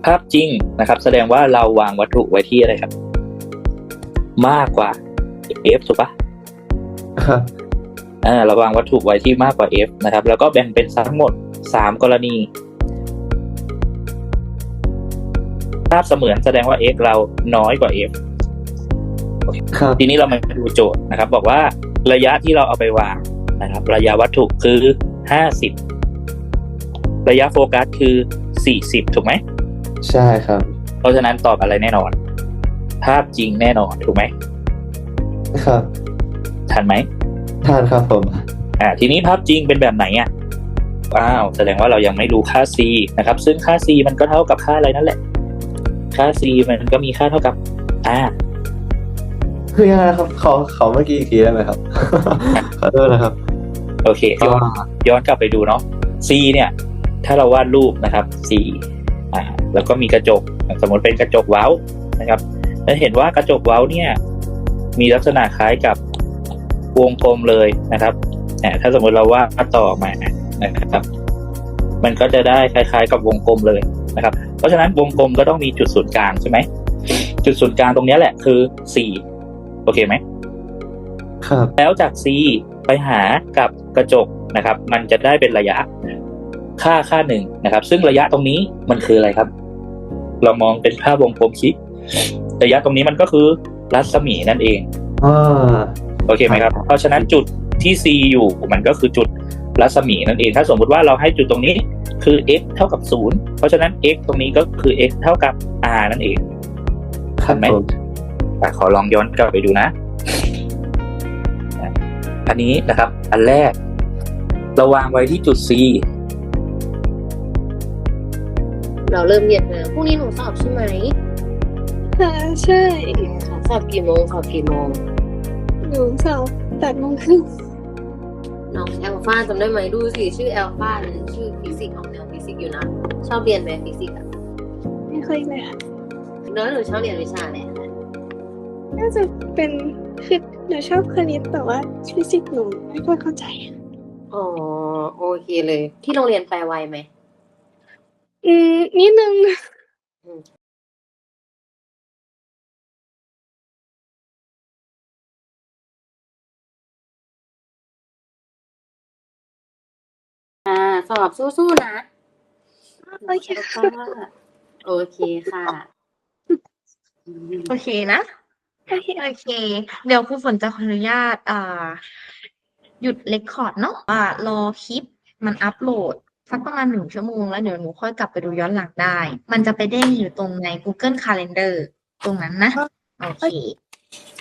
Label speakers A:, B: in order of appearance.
A: ภาพจริงนะครับแสดงว่าเราวางวัตถุไว้ที่อะไรครับมากกว่า f ถูกปะ
B: ครับ
A: เราวางวัตถุไว้ที่มากกว่า f นะครับแล้วก็แบ่งเป็นทั้งหมด3กรณีภาพเสมือนแสดงว่า x เราน้อยกว่า f
B: ครับ
A: ทีนี้เรามาดูโจทย์นะครับบอกว่าระยะที่เราเอาไปวางนะครับระยะวัตถุคือ50ระยะโฟกัสคือ40ถูกไหม
B: ใช่ครับ
A: เพราะฉะนั้นตอบอะไรแน่นอนภาพจริงแน่นอนถูกไหม
B: ครับ
A: ทันไหม
B: ทานครับผม
A: ทีนี้ภาพจริงเป็นแบบไหนว้าวแสดงว่าเรายังไม่รู้ค่า c นะครับซึ่งค่า c มันก็เท่ากับค่าอะไรนั่นแหละค่า c มันก็มีค่าเท่ากับ
B: คือยังไงครับขอเมื่อกี้อีกทีได้ไหมครับ ขอโทษนะครับ
A: โอเคย้อนกลับไปดูเนาะ c เนี่ยถ้าเราวาดรูปนะครับ c แล้วก็มีกระจกสมมติเป็นกระจกเว้านะครับแล้วเห็นว่ากระจกเว้าเนี่ยมีลักษณะคล้ายกับวงกลมเลยนะครับถ้าสมมติเราวาดต่อมานะครับมันก็จะได้คล้ายๆกับวงกลมเลยนะครับเพราะฉะนั้นวงกลมก็ต้องมีจุดศูนย์กลางใช่ไหมจุดศูนย์กลางตรงนี้แหละคือ c โอเคไหม
B: ครับ
A: แล้วจาก c ไปหากับกระจกนะครับมันจะได้เป็นระยะค่าหนึ่งนะครับซึ่งระยะตรงนี้มันคืออะไรครับเรามองเป็นภาพวงกลมสิระยะตรงนี้มันก็คือรัศมีนั่นเองโอเคไหมครับเพราะฉะนั้นจุดที่ c อยู่มันก็คือจุดรัศมีนั่นเองถ้าสมมติว่าเราให้จุดตรงนี้คือ x เท่ากับ0เพราะฉะนั้น x ตรงนี้ก็คือ x เท่ากับ r นั่นเองทันไหมขอลองย้อนกลับไปดูนะอันนี้นะครับอันแรกเราวางไว้ที่จุด c
C: เราเริ่มเรียนแล้วพรุ่งนี้หนูสอบใช่ไหม
D: ใช่
C: สอบกี่โมง
D: หนูสอบ8:30
C: น้องแอลฟาจำได้ไหมดูสิชื่อแอลฟาเป็นชื่อฟิสิกส์ของแนวฟิสิกส์อยู่นะชอบเรียนไหมฟิสิกส์
D: ไม่ค่อยเลยค่ะ
C: น้อยหนูชอบเรียนวิชาอะไร
D: น่าจะเป็นคือหนูชอบคณิตแต่ว่าฟิสิกส์หนูไม่ค่อยเข้าใจ
C: อ๋อโอเคเลยที่โรงเรียนแปลไวไหม
D: นิดนึง
C: สอบสู้ๆนะ
D: โอเคค่ะ
C: โอเคค่ะ
E: โอเคนะโอเคเดี๋ยวครูฝนจะขออนุญาตหยุดเรคคอร์ดเนาะรอคลิปมันอัปโหลดสักประมาณ1 ชั่วโมงแล้วเดี๋ยวหนูค่อยกลับไปดูย้อนหลังได้มันจะไปเด้งอยู่ตรงใน Google Calendar ตรงนั้นนะโอเค